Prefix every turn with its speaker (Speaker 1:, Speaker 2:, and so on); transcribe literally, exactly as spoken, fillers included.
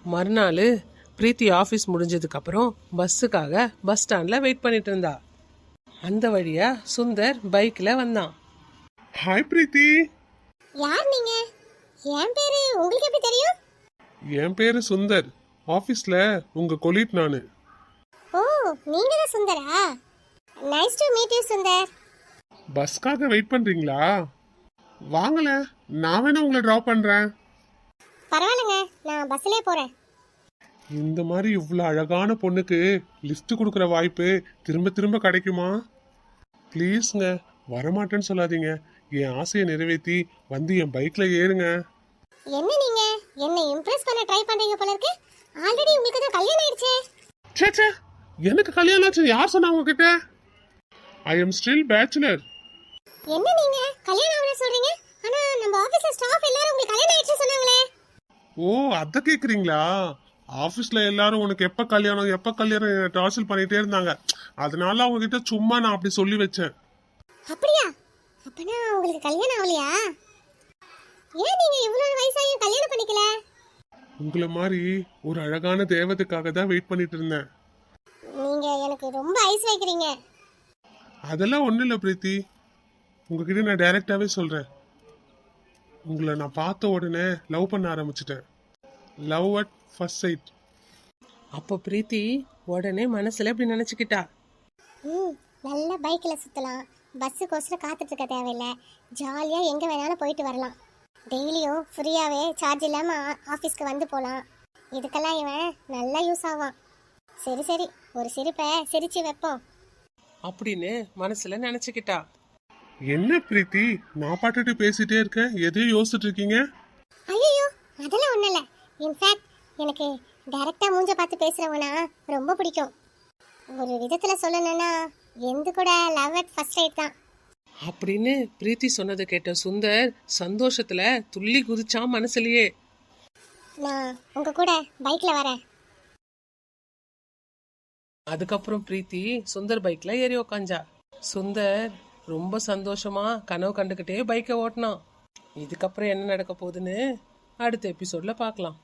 Speaker 1: மறுநாள் பிரீத்தி ஆஃபீஸ் முடிஞ்சதுக்கப்புறம் பஸ்ஸுக்காக பஸ் ஸ்டாண்டில் வெயிட் பண்ணிட்டு இருந்தா. அந்த வழியா சுந்தர் பைக்கில் வந்தான்.
Speaker 2: ஹாய் பிரீத்தி.
Speaker 3: யார் நீங்க? என் பேரு உங்களுக்கு எப்படி தெரியும்?
Speaker 2: என் பேரு சுந்தர். ஆஃபீஸில் உங்க கொலீக் நானு.
Speaker 3: ஓ, நீங்க தான் சுந்தரா? Nice to meet you Sundar.
Speaker 2: பஸ்க்காக வெயிட் பண்றீங்களா? வாங்கல, நான் வேணா உங்களை ட்ராப் பண்றேன்.
Speaker 3: பரவாயில்லைங்க, நான் பஸ்லயே போறேன்.
Speaker 2: இந்த மாதிரி இவ்வளோ அழகான பொண்ணுக்கு லிஸ்ட் கொடுக்குற வாய்ப்பு திரும்ப திரும்ப கிடைக்குமா? ப்ளீஸ்ங்க, வரமாட்டேன்னு சொல்லாதீங்க. என் ஆசையை நிறைவேற்றி வந்து என் பைக்ல ஏறுங்க.
Speaker 3: என்ன நீங்க என்ன இம்ப்ரெஸ் பண்ண ட்ரை பண்றீங்க போல இருக்கு. ஆல்ரெடி உங்களுக்கு தான் கல்யாணம் ஆயிடுச்சே.
Speaker 2: சே சே, எனக்கு கல்யாணம் ஆச்சு யார் சொன்னா உங்ககிட்ட? I am still bachelor.
Speaker 3: என்ன நீங்க கல்யாணம் ஆகல சொல்றீங்க? ஆனா நம்ம ஆபீஸ்ல ஸ்டாஃப் எல்லாரும் உங்களுக்கு கல்யாணம் ஆயிடுச்சு சொன்னாங்களே.
Speaker 2: ஓ, அத கேக்குறீங்களா? ஆபீஸ்ல எல்லாரும் உனக்கு எப்ப கல்யாணம் எப்ப கல்யாணம் டார்ச்சர் பண்ணிட்டே இருந்தாங்க. அதனால அவங்க கிட்ட சும்மா நான் அப்படி சொல்லி வச்சேன்.
Speaker 3: அப்படியா? அப்பனா உங்களுக்கு கல்யாணம் ஆகலையா? ஏன் நீங்க இவ்வளவு வயசாயும் கல்யாணம் பண்ணிக்கல?
Speaker 2: உங்களை மாதிரி ஒரு அழகான தேவதைக்காக தான் வெயிட் பண்ணிட்டு இருந்தேன்.
Speaker 3: நீங்க எனக்கு ரொம்ப ஐஸ் வைக்கிறீங்க.
Speaker 2: அதெல்லாம் ஒண்ணும் இல்லை பிரீத்தி, உங்ககிட்ட நான் டைரக்டாவே சொல்றேன். உங்களை நான் பார்த்த உடனே லவ் பண்ண ஆரம்பிச்சிட்டேன். Love at first sight.
Speaker 1: அப்போ பிரீத்தி உடனே மனசுல இப்படி நினைச்சுக்கிட்டா.
Speaker 3: ம், நல்ல பைக்கில் சுற்றலாம், பஸ்ஸுக்கோசரம் காத்துட்டு இருக்க தேவையில்லை, ஜாலியாக எங்கே வேணாலும் போயிட்டு வரலாம், டெய்லியும் ஃப்ரீயாகவே சார்ஜ் இல்லாமல் ஆஃபீஸ்க்கு வந்து போகலாம். இதுக்கெல்லாம் இவன் நல்லா யூஸ் ஆவான். சரி சரி, ஒரு சிரிப்பை சிரிச்சு வைப்போம்
Speaker 1: அப்படின்னு மனசுல நினைச்சுக்கிட்டா.
Speaker 2: என்ன பிரீத்தி, நான் பாட்டுட்டு பேசிட்டே இருக்கேன், எதையும் யோசிச்சுட்டு இருக்கீங்க?
Speaker 3: ஐயோ, அதெல்லாம் ஒன்றும் இல்லை. இன்ஃபேக்ட் எனக்கு டைரெக்டாக மூஞ்ச பார்த்து பேசுகிறவனா ரொம்ப பிடிக்கும். ஒரு விதத்தில் சொல்லணும்னா எந்த கூட லவ் அட் ஃபர்ஸ்ட் சைட் தான்.
Speaker 1: அப்படின்னு பிரீத்தி சொன்னதை கேட்ட சுந்தர் சந்தோஷத்துல துள்ளி குதிச்சான் மனசுலயே.
Speaker 3: நான் உங்க கூட பைக்ல வரேன்.
Speaker 1: அதுக்கப்புறம் பிரீத்தி சுந்தர் பைக்ல ஏறி உக்காஞ்சா. சுந்தர் ரொம்ப சந்தோஷமா கனவு கண்டுகிட்டே பைக்கை ஓட்டினான். இதுக்கப்புறம் என்ன நடக்க போகுதுன்னு அடுத்த எபிசோட்ல பார்க்கலாம்.